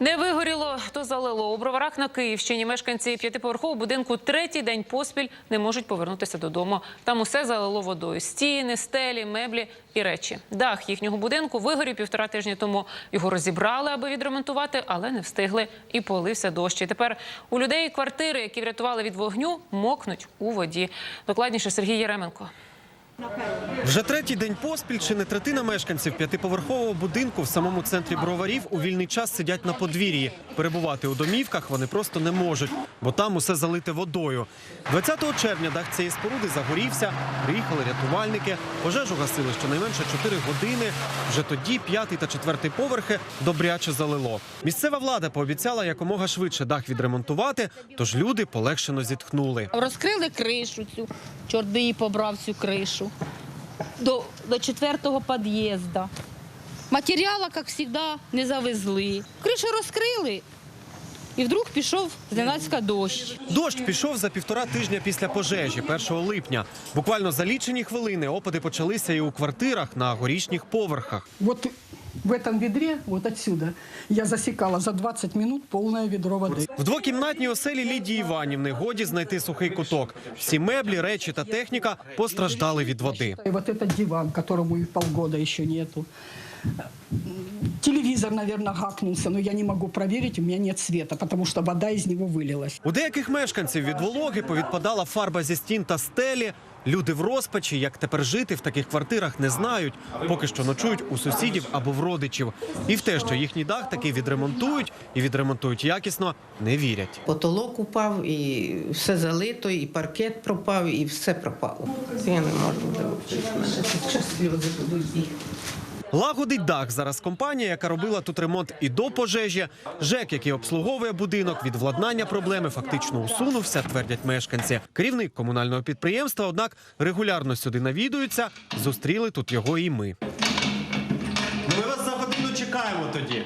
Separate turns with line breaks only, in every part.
Не вигоріло, то залило. У Броварах на Київщині мешканці п'ятиповерхового будинку третій день поспіль не можуть повернутися додому. Там усе залило водою. Стіни, стелі, меблі і речі. Дах їхнього будинку вигорів 1,5 тижні тому. Його розібрали, аби відремонтувати, але не встигли. І полився дощ. І тепер у людей квартири, які врятували від вогню, мокнуть у воді. Докладніше Сергій Єременко.
Вже третій день поспіль чи не третина мешканців п'ятиповерхового будинку в самому центрі Броварів у вільний час сидять на подвір'ї. Перебувати у домівках вони просто не можуть, бо там усе залите водою. 20 червня дах цієї споруди загорівся, приїхали рятувальники, пожежу гасили щонайменше 4 години. Вже тоді 5-й та 4-й поверхи добряче залило. Місцева влада пообіцяла якомога швидше дах відремонтувати, тож люди полегшено зітхнули.
Розкрили кришу цю, чорт би її побрав цю кришу, до 4-го під'їзду. Матеріалу, як завжди, не завезли. Кришу розкрили, і вдруг пішов зненацька дощ.
Дощ пішов за 1,5 тижня після пожежі, 1 липня. Буквально за лічені хвилини опади почалися і у квартирах на горішніх поверхах.
Вот в этом ведре, вот отсюда, я засекала за 20 минут полное ведро воды.
В двокімнатній оселі Лідії Іванівни годі знайти сухий куток. Всі меблі, речі та техніка постраждали від води.
И вот этот диван, которому и полгода еще нету. Телевизор, наверное, гакнулся, но я не могу проверить, у меня нет света, потому что вода из него вылилась.
У деяких мешканців від вологи повідпадала фарба зі стін та стелі. Люди в розпачі, як тепер жити в таких квартирах, не знають. Поки що ночують у сусідів або в родичів. І в те, що їхній дах таки відремонтують, і відремонтують якісно, не вірять.
Потолок упав, і все залито, і паркет пропав, і все пропало. Я не можу вивчити. Зараз сльози будуть їх.
Лагодить дах зараз компанія, яка робила тут ремонт і до пожежі. ЖЕК, який обслуговує будинок, від владнання проблеми фактично усунувся, твердять мешканці. Керівник комунального підприємства, однак, регулярно сюди навідується. Зустріли тут його і ми. Ми вас за годину чекаємо тоді.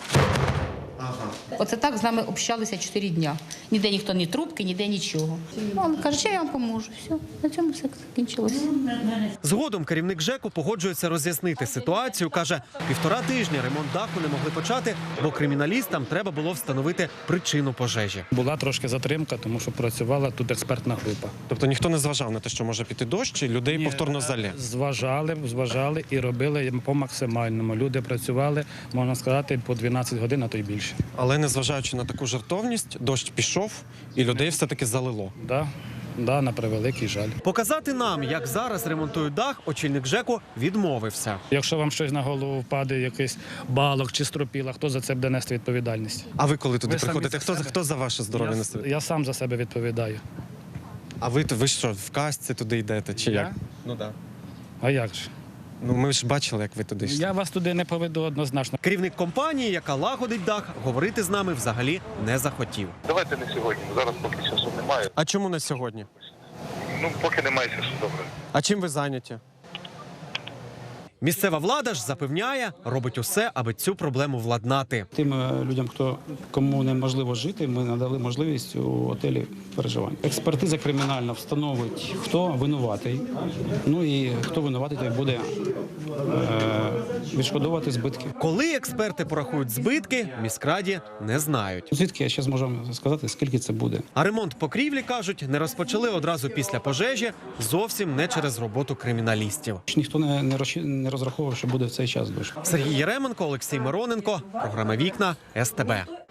Оце так з нами общалися 4 дня. Ніде ніхто ні трубки, ніде нічого. Він каже, що я вам поможу. Все, на цьому все закінчилося.
Згодом керівник ЖЕКу погоджується роз'яснити ситуацію. Каже, 1,5 тижня ремонт даху не могли почати, бо криміналістам треба було встановити причину пожежі.
Була трошки затримка, тому що працювала тут експертна група.
Тобто ніхто не зважав на те, що може піти дощ, і людей повторно залє?
Зважали і робили по максимальному. Люди працювали, можна сказати, по 12 годин, а то й більше.
Але незважаючи на таку жертовність, дощ пішов і людей все-таки залило.
Да, на превеликий жаль.
Показати нам, як зараз ремонтують дах, очільник ЖЕКу відмовився.
Якщо вам щось на голову впаде, якийсь балок чи стропіла, хто за це буде нести відповідальність?
А ви коли туди
Ви самі
приходите,
за себе?
хто за ваше здоров'я несе?
Я сам за себе відповідаю.
А ви що, в касці туди йдете чи як?
Я?
Ну так.
А як же?
Ну ми ж бачили, як ви туди йшли.
Я вас туди не поведу однозначно.
Керівник компанії, яка лагодить дах, говорити з нами взагалі не захотів.
Давайте не сьогодні, зараз поки часу немає.
А чому не сьогодні?
Ну, поки немає часу, добре.
А чим ви зайняті? Місцева влада ж запевняє, робить усе, аби цю проблему владнати.
Тим людям, кому неможливо жити, ми надали можливість у готелі переживання. Експертиза кримінальна встановить, хто винуватий. Ну і хто винуватий, той буде відшкодовувати збитки.
Коли експерти порахують збитки, в міськраді не знають.
Звідки я ще зможу вам сказати, скільки це буде?
А ремонт покрівлі, кажуть, не розпочали одразу після пожежі, зовсім не через роботу криміналістів.
Ніхто не розраховував, що буде в цей час дощ.
Сергій Єременко, Олексій Мироненко, програма «Вікна», СТБ.